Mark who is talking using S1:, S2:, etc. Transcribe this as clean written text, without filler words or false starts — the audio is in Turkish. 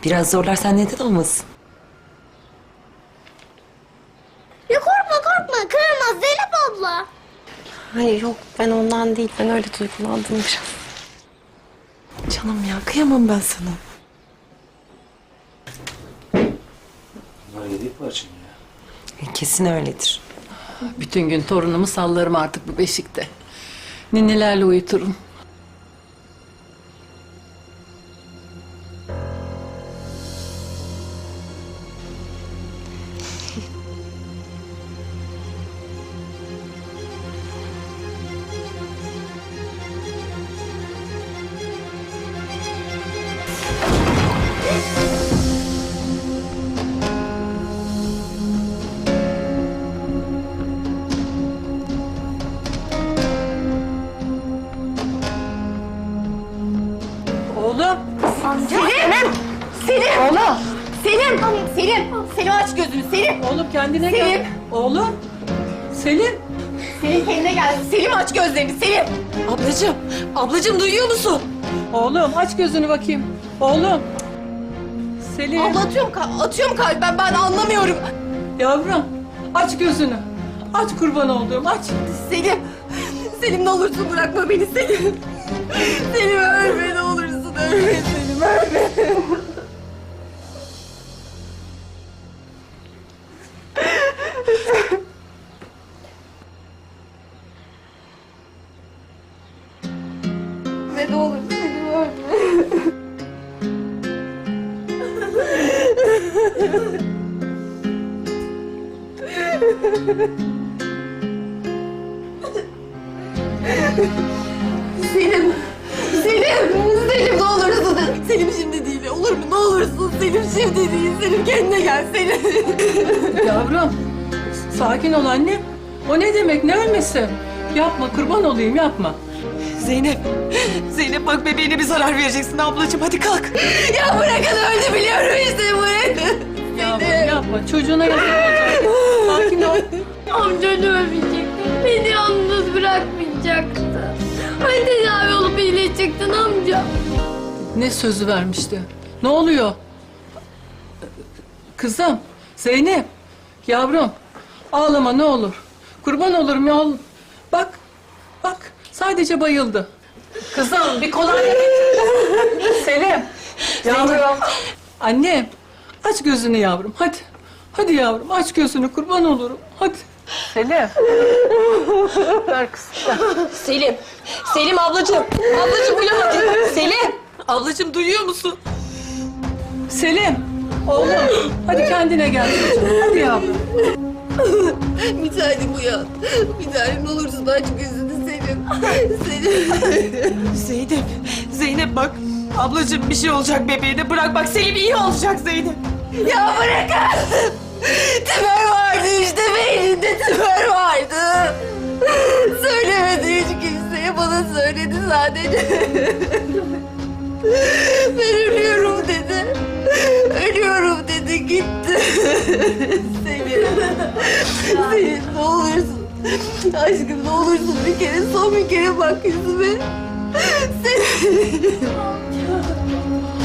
S1: Biraz zorlarsan neden olmasın?
S2: Ya korkma kıramaz Zeynep abla.
S3: Hayır yok ben ondan değil. Ben öyle duygulandım biraz.
S1: Canım ya kıyamam ben sana.
S4: Bunlar yedek parça mı ya?
S1: Kesin öyledir.
S5: Bütün gün torunumu sallarım artık bu beşikte. Ninnilerle uyuturum. Oğlum.
S6: Selim aç gözünü Selim.
S5: Oğlum kendine
S6: Selim.
S5: gel. Oğlum. Selim.
S6: Selim kendine gel. Selim aç gözlerini Selim.
S1: Ablacığım duyuyor musun?
S5: Oğlum aç gözünü bakayım. Oğlum. Selim.
S6: Abla atıyorum kalp ben anlamıyorum.
S5: Yavrum aç gözünü. Aç kurban olduğum aç.
S6: Selim ne olursun bırakma beni Selim. Selim ölme ne olursun ölme Selim ölme. Ve ne olur Selim ölme. Selim ne olursun. Selim şimdi değil olur mu ne olursun Selim şimdi değil. Selim kendine gel Selim.
S5: Yavrum sakin ol annem. O ne demek ne ölmesi? Yapma kurban olayım yapma.
S1: Zeynep bak bebeğine bir zarar vereceksin ablacığım hadi kalk.
S6: Ya bırakın öldü biliyorum işte bırakın.
S5: Yavrum yapma çocuğuna yazık olacak. Sakin ol.
S2: Amcan ölmeyecekti. Beni yalnız bırakmayacaktı. Hani tedavi olup iyileşecektin amca.
S5: Ne sözü vermişti? Ne oluyor? Kızım, Zeynep, yavrum ağlama ne olur. Kurban olurum ya. Bak sadece bayıldı. Kızım bir kolonya getir. Selim, yavrum. Annem aç gözünü yavrum hadi. Hadi yavrum aç gözünü kurban olurum hadi. Selim. Ver kızım.
S3: Selim ablacığım. Ablacığım uyan hadi. Selim.
S1: Ablacığım duyuyor musun?
S5: Selim. Oğlum hadi kendine gel çocuğum. Hadi yavrum.
S6: Bir tanem uyan. Bir tanem ne olursun aç gözünü Selim. Selim.
S1: Zeynep bak. Ablacığım bir şey olacak bebeğine bırak bak Selim iyi olacak Zeynep.
S6: Ya bırakın. Tümör vardı işte beyninde tümör vardı. Söylemedi hiç kimseye bana söyledi sadece. Ben ölüyorum dedi. Ölüyorum dedi gitti. Selim ne olursun. Aşkım ne olursun bir kere son bir kere bak yüzüme. Selim.